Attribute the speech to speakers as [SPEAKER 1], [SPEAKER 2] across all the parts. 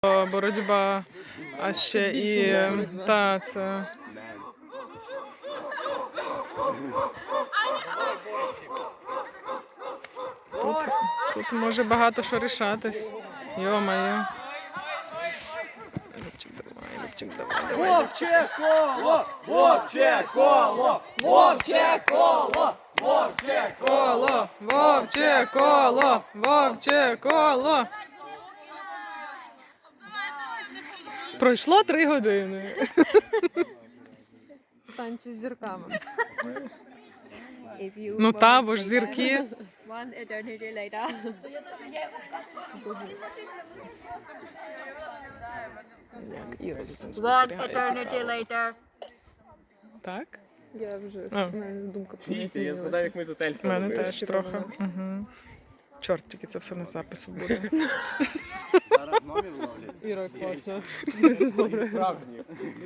[SPEAKER 1] боротьба, а ще і та це. Тут може багато що рішатись. Йо-моє. Любчик, давай.
[SPEAKER 2] Вовче коло! Вовче коло! Вовче коло! Вовче коло!
[SPEAKER 1] Вовче коло! Вовче коло! Пройшло 3 години.
[SPEAKER 3] Це танці з зірками.
[SPEAKER 1] Ну та, бо ж зірки.
[SPEAKER 3] One eternity later.
[SPEAKER 1] Іра за цим
[SPEAKER 3] One
[SPEAKER 1] спостерігає,
[SPEAKER 3] eternity
[SPEAKER 1] цікаво.
[SPEAKER 3] later.
[SPEAKER 1] Так?
[SPEAKER 3] Я вже
[SPEAKER 1] А.
[SPEAKER 3] думка
[SPEAKER 2] Я згадав, як ми тут ельфи
[SPEAKER 1] У мене
[SPEAKER 2] робили.
[SPEAKER 1] теж трохи. Угу. Чорт, тільки це все на запису буде.
[SPEAKER 2] Зараз номер ловлять.
[SPEAKER 3] Іра, класно.
[SPEAKER 2] Справжні.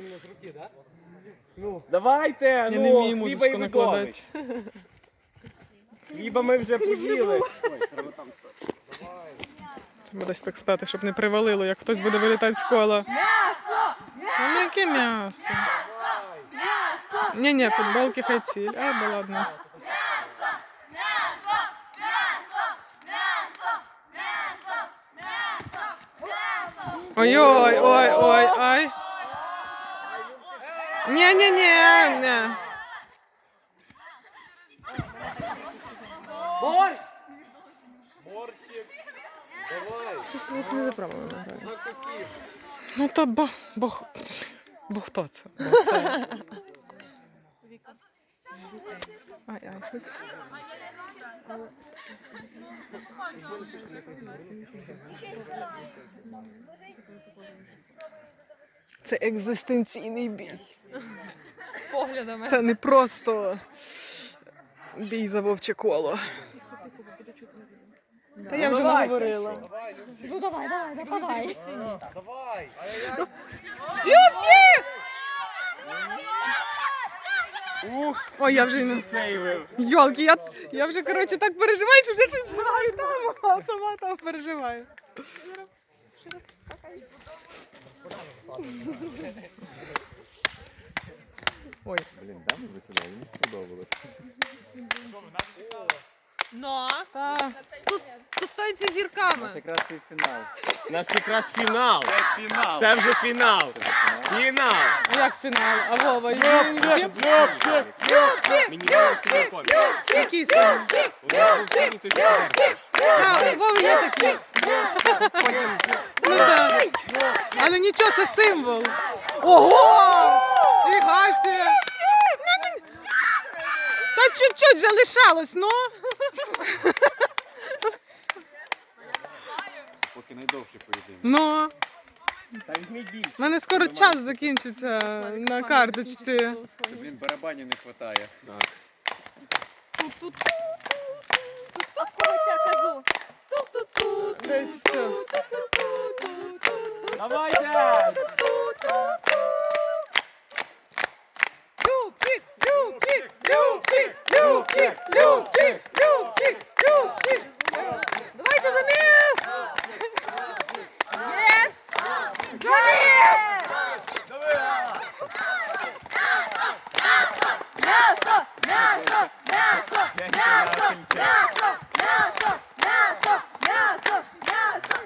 [SPEAKER 2] Давайте,
[SPEAKER 1] Я не
[SPEAKER 2] ну,
[SPEAKER 1] вмію
[SPEAKER 2] хліба і
[SPEAKER 1] музичку накладати.
[SPEAKER 2] видовищ. Хліба ми вже поїли.
[SPEAKER 1] Треба десь так стати, щоб не привалило, як хтось буде вилітати з кола. М'ясо! Ну, яке м'ясо? Ні, футболки хай ціль. А, да ладно. Ой-ой, ой, ай. Ні.
[SPEAKER 2] Борщ! Борщик! Давай!
[SPEAKER 3] Не за правилами граю.
[SPEAKER 1] Ну та бо хто це? Ай, щось. Це екзистенційний бій.
[SPEAKER 3] Поглядами.
[SPEAKER 1] Це не просто бій за вовче коло. Та я вже наговорила.
[SPEAKER 3] Ну давай, нападай.
[SPEAKER 2] Давай!
[SPEAKER 1] Любчик!
[SPEAKER 2] Ух,
[SPEAKER 1] Ой, я вже й не
[SPEAKER 2] сейвив.
[SPEAKER 1] Йолки, я вже, коротше, так переживаю, що вже щось знаю там, а сама там переживаю. Ой.
[SPEAKER 2] Блін, да, ми висідали, мені сподобалось.
[SPEAKER 3] Ну,
[SPEAKER 1] Та.
[SPEAKER 3] тут танці з зірками.
[SPEAKER 2] Якраз і фінал. У нас якраз фінал. Це фінал. Це вже фінал. Фінал.
[SPEAKER 1] А як фінал? А Вова,
[SPEAKER 2] Любчик! Мені Вова сьогодні помню.
[SPEAKER 1] який саме?
[SPEAKER 2] У нас був синій, то ще
[SPEAKER 1] А, у Вови є такий. Ну так. Але нічого, це символ. Ого! Фігасі! Та чуть-чуть же лишалось, ну.
[SPEAKER 2] Поки найдовший поєдинок.
[SPEAKER 1] Ну.
[SPEAKER 2] Та візьміть більше.
[SPEAKER 1] У мене скоро час закінчиться на карточці.
[SPEAKER 2] Блін, барабанів не вистачає.
[SPEAKER 3] А в кого ця казу?
[SPEAKER 1] Десь все.
[SPEAKER 2] Давайте!
[SPEAKER 1] Любчик, Любчик, Любчик, Любчик, Любчик, Любчик, Любчик. Давайте заміс! Єс! Заміс! М'ясо! М'ясо! М'ясо! М'ясо! М'ясо! М'ясо! М'ясо! М'ясо! М'ясо!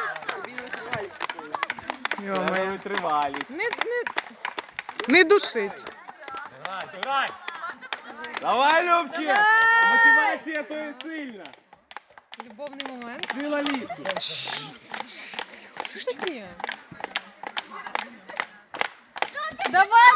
[SPEAKER 1] Йо-моє.
[SPEAKER 2] Витривалість.
[SPEAKER 1] Не душить.
[SPEAKER 2] Давай! Давай, Любчик! Мотивація то є сильна.
[SPEAKER 3] Любовний момент.
[SPEAKER 2] Сила лісу.
[SPEAKER 3] Що таке? Давай!